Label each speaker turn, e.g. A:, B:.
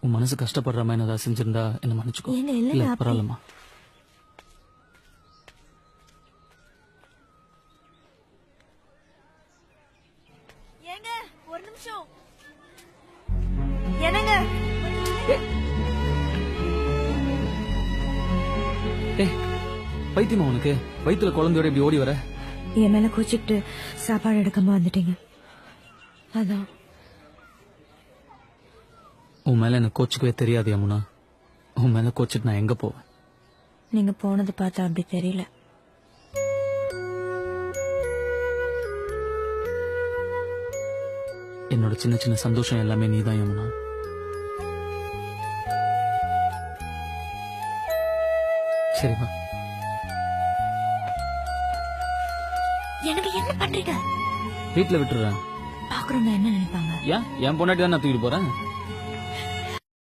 A: உன் மனசு கஷ்டப்படுற மாதிரி ஏதாவது செஞ்சிருந்தா என்ன மன்னிச்சுக்கோ.
B: ஏங்க,
A: இல்ல
B: இல்லைங்க, அப்படி-
A: பரவாயில்லம்மா.
B: ஏங்க ஒரு நிமிஷம். என்னங்க
A: ஏய் பைத்தியமா உனக்கு? வயித்துல குழந்தையோட இப்படி ஓடி வர?
B: என் மேல கோச்சிக்கிட்டு சாப்பாடு எடுக்காம வந்துட்டீங்க, அதான்.
A: உன் மேல எனக்கு கோச்சுக்கவே தெரியாது யமுனா. உன் மேல கோச்சிட்டு நான் எங்க போவேன்?
B: நீங்க போனது பார்த்தா அப்படி தெரியல.
A: என்னோட சின்ன சின்ன சந்தோஷம் எல்லாமே நீதான் யமுனா. சரிம்மா.
B: எனக்கு என்ன பண்றீங்க?
A: வீட்டுல விட்டுறேன்.
B: பாக்குறவங்க என்ன நினைப்பாங்க?
A: ஏன் என் பொண்டாட்டி தான் நான் தூக்கிட்டு போறேன்.